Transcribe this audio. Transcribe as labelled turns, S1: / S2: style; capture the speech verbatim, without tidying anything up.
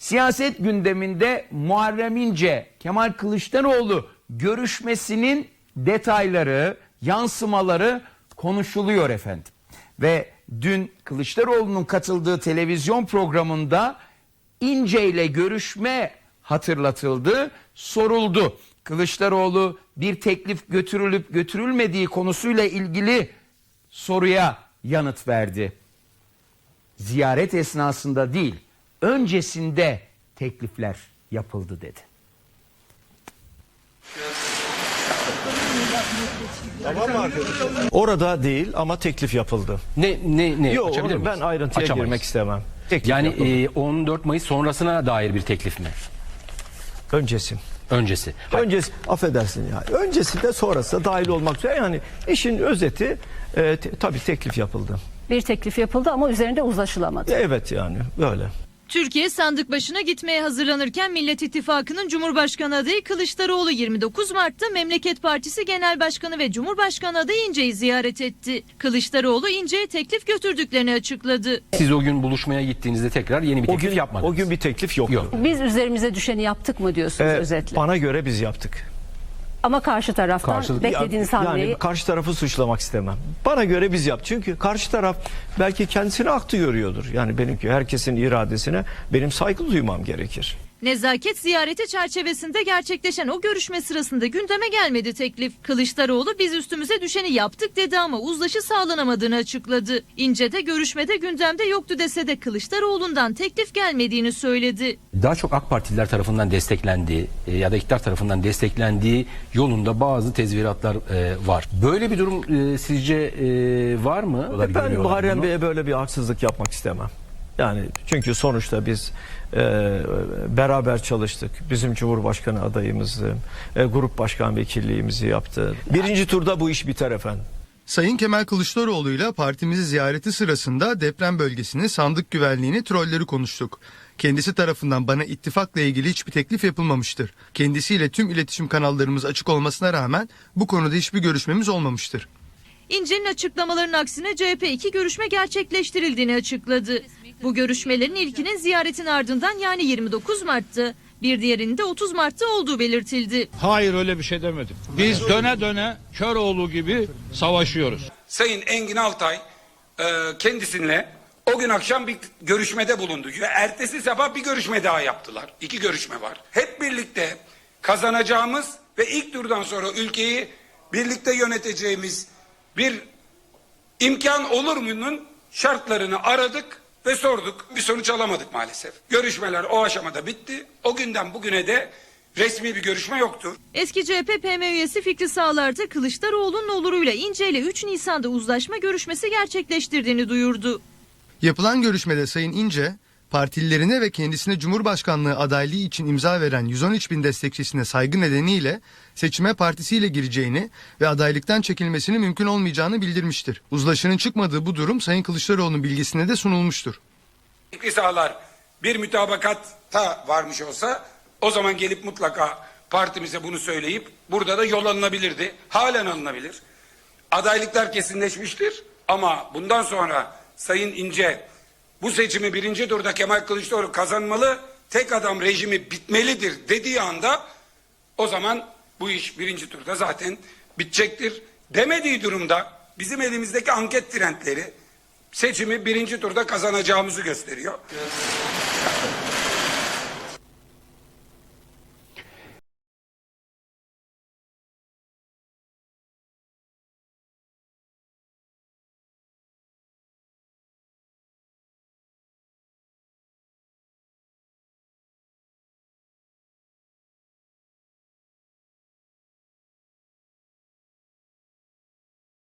S1: Siyaset gündeminde Muharrem İnce, Kemal Kılıçdaroğlu görüşmesinin detayları, yansımaları konuşuluyor efendim. Ve dün Kılıçdaroğlu'nun katıldığı televizyon programında İnce ile görüşme hatırlatıldı, soruldu. Kılıçdaroğlu bir teklif götürülüp götürülmediği konusuyla ilgili soruya yanıt verdi. Ziyaret esnasında değil, öncesinde teklifler yapıldı dedi.
S2: Orada değil ama teklif yapıldı.
S3: Ne ne ne?
S2: Yok,
S3: Açabilir
S2: onu ben
S3: miyiz?
S2: ayrıntıya
S3: Açamayız.
S2: girmek istemem. Teklif
S3: Yani
S2: yapıldı.
S3: e, on dört Mayıs sonrasına dair bir teklif mi?
S2: Öncesi.
S3: Öncesi. Hayır.
S2: Öncesi, affedersin ya. Öncesi de sonrası da dahil olmak üzere. Yani işin özeti e, te, tabii teklif yapıldı.
S4: Bir teklif yapıldı ama üzerinde uzlaşılamadı.
S2: Evet yani böyle.
S5: Türkiye sandık başına gitmeye hazırlanırken Millet İttifakı'nın Cumhurbaşkanı adayı Kılıçdaroğlu yirmi dokuz Mart'ta Memleket Partisi Genel Başkanı ve Cumhurbaşkanı adayı İnce'yi ziyaret etti. Kılıçdaroğlu İnce'ye teklif götürdüklerini açıkladı.
S3: Siz o gün buluşmaya gittiğinizde tekrar yeni bir
S2: O
S3: teklif
S2: gün
S3: yapmadınız.
S2: o gün bir teklif yoktu.
S3: Yok.
S4: Biz üzerimize düşeni yaptık mı diyorsunuz
S2: Ee,
S4: özetle?
S2: Bana göre biz yaptık.
S4: Ama karşı taraftan
S3: Karşılık-
S4: beklediğiniz
S2: yani,
S4: hamleyi...
S2: yani karşı tarafı suçlamak istemem. Bana göre biz yaptık. Çünkü karşı taraf belki kendisini haklı görüyordur. Yani benimki herkesin iradesine benim saygı duymam gerekir.
S5: Nezaket ziyareti çerçevesinde gerçekleşen o görüşme sırasında gündeme gelmedi teklif. Kılıçdaroğlu biz üstümüze düşeni yaptık dedi ama uzlaşı sağlanamadığını açıkladı. İnce de görüşmede gündemde yoktu dese de Kılıçdaroğlu'ndan teklif gelmediğini söyledi.
S3: Daha çok AK Partililer tarafından desteklendiği e, ya da iktidar tarafından desteklendiği yolunda bazı tezviratlar e, var. Böyle bir durum e, sizce e, var mı?
S2: Ben
S3: Görüyorlar
S2: Muharrem
S3: bunu.
S2: Bey'e böyle bir haksızlık yapmak istemem. Yani çünkü sonuçta biz e, beraber çalıştık. Bizim Cumhurbaşkanı adayımızdı. E, grup başkan vekilliğimizi yaptı. Birinci turda bu iş biter efendim.
S6: Sayın Kemal Kılıçdaroğlu ile partimizi ziyareti sırasında deprem bölgesini, sandık güvenliğini, trolleri konuştuk. Kendisi tarafından bana ittifakla ilgili hiçbir teklif yapılmamıştır. Kendisiyle tüm iletişim kanallarımız açık olmasına rağmen bu konuda hiçbir görüşmemiz olmamıştır.
S5: İnce'nin açıklamalarının aksine C H P iki görüşme gerçekleştirildiğini açıkladı. Bu görüşmelerin ilkinin ziyaretin ardından yani yirmi dokuz Mart'ta, bir diğerinin de otuz Mart'ta olduğu belirtildi.
S7: Hayır öyle bir şey demedim. Biz döne döne Köroğlu gibi savaşıyoruz.
S8: Sayın Engin Altay e, kendisiyle o gün akşam bir görüşmede bulundu. Ve ertesi sabah bir görüşme daha yaptılar. İki görüşme var. Hep birlikte kazanacağımız ve ilk turdan sonra ülkeyi birlikte yöneteceğimiz bir imkan olur mu'nun şartlarını aradık ve sorduk. Bir sonuç alamadık maalesef. Görüşmeler o aşamada bitti. O günden bugüne de resmi bir görüşme yoktur.
S5: Eski C H P P M üyesi Fikri Sağlar da Kılıçdaroğlu'nun oluruyla İnce ile üç Nisan'da uzlaşma görüşmesi gerçekleştirdiğini duyurdu.
S6: Yapılan görüşmede Sayın İnce, partililerine ve kendisine Cumhurbaşkanlığı adaylığı için imza veren yüz on üç bin destekçisine saygı nedeniyle seçime partisiyle gireceğini ve adaylıktan çekilmesinin mümkün olmayacağını bildirmiştir. Uzlaşının çıkmadığı bu durum Sayın Kılıçdaroğlu'nun bilgisine de sunulmuştur.
S8: Fikri Sağlar bir mütabakatta varmış olsa o zaman gelip mutlaka partimize bunu söyleyip burada da yol alınabilirdi. Halen alınabilir. Adaylıklar kesinleşmiştir ama bundan sonra Sayın İnce bu seçimi birinci turda Kemal Kılıçdaroğlu kazanmalı, tek adam rejimi bitmelidir dediği anda o zaman bu iş birinci turda zaten bitecektir. Demediği durumda bizim elimizdeki anket trendleri seçimi birinci turda kazanacağımızı gösteriyor.